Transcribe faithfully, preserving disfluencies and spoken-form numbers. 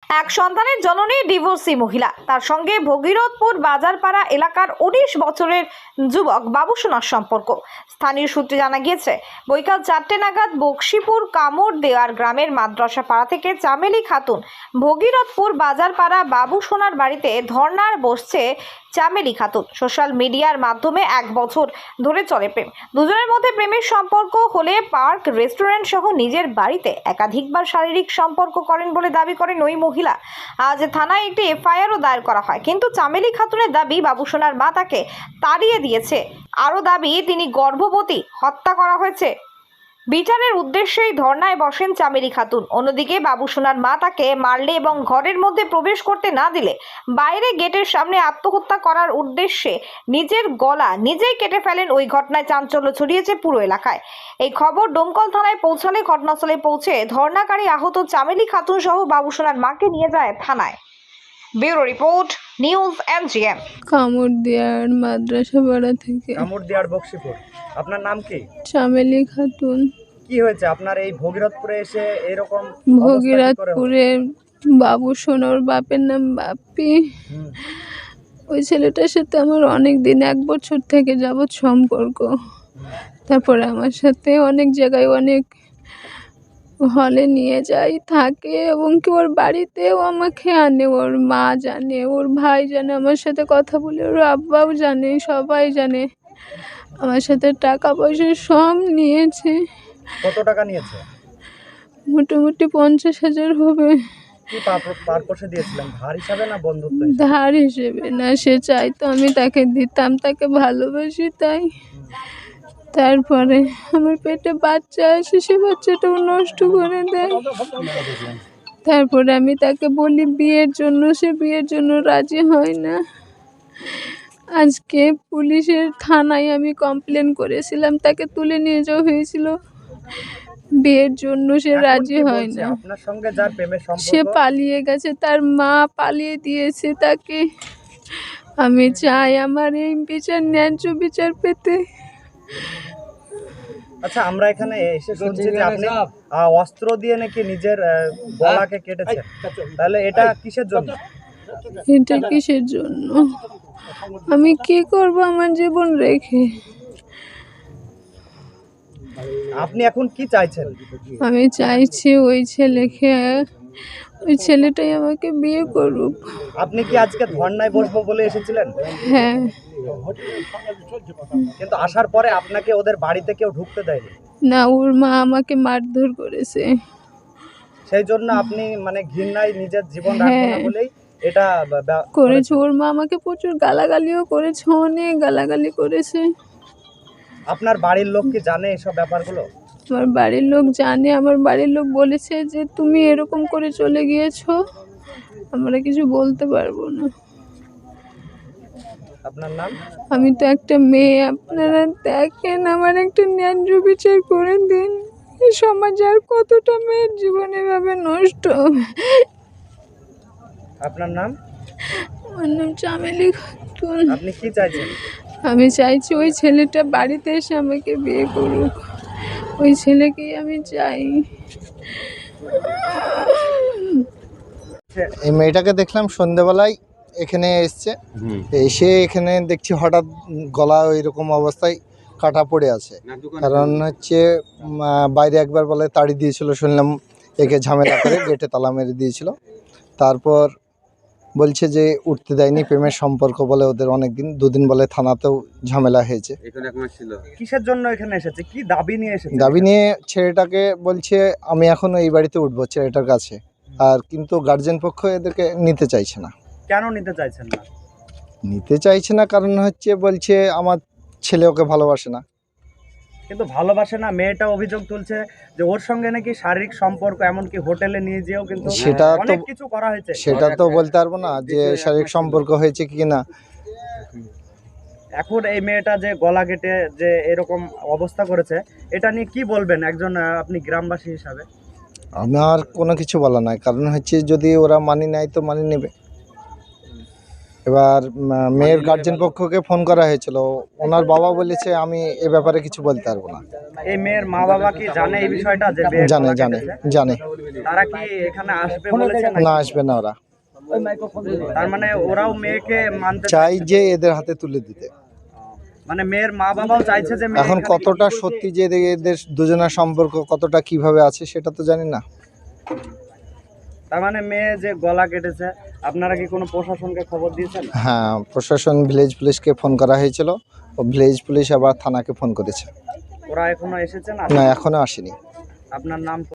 এক সন্তানের জননী ডিভোর্সি মহিলা, তার সঙ্গে ভগীরথপুর বাজারপাড়া এলাকার উনিশ বছরের যুবক বাবুসোনার সম্পর্ক। স্থানীয় সূত্রে জানা গিয়েছে, বৈকাল চারটে নাগাদ বক্সিপুর কামড় দেওয়ার গ্রামের মাদ্রাসা পাড়া থেকে চামেলি খাতুন ভগীরথপুর বাজারপাড়া বাবুসোনার বাড়িতে ধর্নার বসছে। চামেলি খাতুন সোশ্যাল মিডিয়ার মাধ্যমে এক বছর ধরে চলে প্রেম। দুজনের মধ্যে প্রেমের সম্পর্ক হলে পার্ক, রেস্টুরেন্ট সহ নিজের বাড়িতে একাধিকবার শারীরিক সম্পর্ক করেন বলে দাবি করেন ওই মহিলা। আজ থানায় একটি এফআইআরও দায়ের করা হয়, কিন্তু চামেলি খাতুনের দাবি বাবুসোনার মা তাকে তাড়িয়ে দিয়েছে। আরও দাবি তিনি গর্ভবতী, হত্যা করা হয়েছে। বিচারের উদ্দেশ্যেই ধর্নায় বসেন চামেলি খাতুন। অন্যদিকে বাবুসোনার মা তাকে মারলে এবং ঘরের মধ্যে প্রবেশ করতে না দিলে বাইরে গেটের সামনে আত্মহত্যা করার উদ্দেশ্যে নিজের গলা নিজেই কেটে ফেলেন। ওই ঘটনায় চাঞ্চল্য ছড়িয়েছে পুরো এলাকায়। এই খবর ডোমকল থানায় পৌঁছালে ঘটনাস্থলে পৌঁছে ধর্নাকারী আহত চামেলি খাতুন সহ বাবুসোনার মাকে নিয়ে যায় থানায়। Bureau report, news MGM. কামড় দেওয়ার মাদ্রাসা পাড়া থেকে। কামড় দেওয়ার বক্সিপুর। আপনার নাম কি? চামেলি খাতুন। কি হয়েছে আপনার এই ভগীরথপুরে এসে এরকম? ভগীরথপুরে বাবুসোনার বাপের নাম বাপ্পি। ওই ছেলেটার সাথে আমার অনেক দিন, এক বছর থেকে যাবৎ সম্পর্ক। তারপরে আমার সাথে অনেক জায়গায় অনেক হলে নিয়ে যায়, থাকে এবং কি ওর বাড়িতেও আমাকে আনে। ওর মা জানে, ওর ভাই জানে, আমার সাথে কথা বলে, ওর আব্বাও জানে, সবাই জানে। আমার সাথে টাকা পয়সা সব নিয়েছে। কত টাকা নিয়েছে? মোটামুটি পঞ্চাশ হাজার হবে। কি পারপোসে দিয়েছিলেন? ধার হিসাবে না বন্ধুত্ব হিসাবে? ধার হিসেবে না, সে চাইতো আমি তাকে দিতাম, তাকে ভালোবাসি তাই। তারপরে আমার পেটে বাচ্চা আসে, সে বাচ্চাটাও নষ্ট করে দেয়। তারপরে আমি তাকে বলি বিয়ের জন্য, সে বিয়ের জন্য রাজি হয় না। আজকে পুলিশের থানায় আমি কমপ্লেন করেছিলাম, তাকে তুলে নিয়ে যাওয়া হয়েছিল বিয়ের জন্য, সে রাজি হয় না। আপনার সঙ্গে যার প্রেমের সম্পর্ক, সে পালিয়ে গেছে, তার মা পালিয়ে দিয়েছে তাকে। আমি চাই আমার এই বিচার, ন্যায্য বিচার পেতে। আচ্ছা, আমরা এখানে এসে শুনছি যে আপনি অস্ত্র দিয়ে নাকি নিজের গলাকে কেটেছেন, তাহলে এটা কিসের জন্য? এটা কিসের জন্য? আমি কি করব আমার জীবন রেখে? আপনি এখন কি চাইছেন? আমি চাইছি ওই ছেলেকে, ওই ছেলেটাই আমাকে বিয়ে করুক। আপনি কি আজকে ধর্নায় বসবো বলে এসেছিলেন? হ্যাঁ। কিন্তু আসার পরে আপনাকে ওদের বাড়িতে কেউ ঢুকতে দেয়নি? না, ওর মা আমাকে মারধর করেছে। সেই জন্য আপনি মানে ঘৃণায় নিজের জীবন রাখবেন না বলেই এটা করেছে। ওর মা আমাকে প্রচুর গালাগালিও করেছে, অনেক গালাগালি করেছে। আপনার বাড়ির লোক কি জানে এসব ব্যাপারগুলো? আমার বাড়ির লোক জানে। আমার বাড়ির লোক বলেছে যে তুমি এরকম করে চলে গিয়েছো, আমরা কিছু বলতে পারবো না। আপনার নাম? আমি তো একটা মেয়ে, আপনারা দেখেন, আমার একটা ন্যায্য বিচার করে দিন। এই সমাজে আর কতটা মেয়ের জীবন এভাবে নষ্ট হবে? আপনার নাম? আমার নাম চামেলি খাতুন। আপনি কি চাইছেন? আমি চাইছি ওই ছেলেটা বাড়িতে এসে আমাকে বিয়ে করুক, ওই ছেলেকেই আমি চাই। এই মেয়েটাকে দেখলাম সন্ধ্যেবেলায় এখানে এসছে, এসে এখানে দেখছি হঠাৎ গলা ওই রকম অবস্থায় কাটা পড়ে আছে। কারণ হচ্ছে বাইরে একবার বলে তাড়ি দিয়েছিল, শুনলাম একে ঝামেলা করে গেটে তালা মেরে দিয়েছিল। তারপর বলছে যে উঠতে দেয়নি, প্রেমের সম্পর্ক বলে ওদের অনেকদিন, দুদিন বলে থানাতেও ঝামেলা হয়েছে। কিসের জন্য এখানে এসেছে? কি দাবি নিয়ে এসেছে? দাবি নিয়ে ছেলেটাকে বলছে আমি এখন এই বাড়িতে উঠবো ছেলেটার কাছে, আর কিন্তু গার্জেন পক্ষ এদেরকে নিতে চাইছে না। কেন নিতে চাইছেন না? নিতে চাইছে না কারণ হচ্ছে বলছে আমার ছেলে ওকে ভালোবাসে না। কিন্তু ভালোবাসে না, মেয়েটা অভিযোগ তুলছে যে ওর সঙ্গে নাকি শারীরিক সম্পর্ক, এমনকি হোটেলে নিয়ে যেও কিন্তু সেটা তো অনেক কিছু করা হয়েছে। সেটা তো বলতে পারবো না যে শারীরিক সম্পর্ক হয়েছে কি না। এখন এই মেয়েটা যে গলা কেটে যে এরকম অবস্থা করেছে, এটা নিয়ে কি বলবেন একজন আপনি গ্রামবাসী হিসাবে? আমার কোনো কিছু বলা নাই, কারণ হচ্ছে যদি ওরা মানি নেয় তো মানি নেবে। এবার উম, মেয়ের গার্জেন পক্ষকে ফোন করা হয়েছিল, ওনার বাবা বলেছে আমি এ ব্যাপারে কিছু বলতে পারবো না। এই মেয়ের মা বাবা কি জানে এই বিষয়টা যে মেয়ের জানে গলা জানে কেটেছে? জানে তারা কি এখানে আসবে বলেছে নাকি? না, আসবে না ওরা। তার মানে ওরাও মেয়েকে মানতে চাই যে এদের হাতে তুলে দিতে। মানে মেয়ের মা বাবাও চাইছে যে মেয়ে এখন এখানে- কতটা সত্যি যে এদের- এদের দুজনের সম্পর্ক কতটা কিভাবে আছে সেটা তো জানি না। তার মানে মেয়ে যে গলা কেটেছে, আপনারা কি কোনো প্রশাসনকে খবর দিয়েছেন? হ্যাঁ, প্রশাসন ভিলেজ পুলিশকে ফোন করা হয়েছিল, ও ভিলেজ পুলিশ আবার থানাকে ফোন করেছে। ওরা এখনো এসেছে না? না, এখনো আসেনি। আপনার নাম?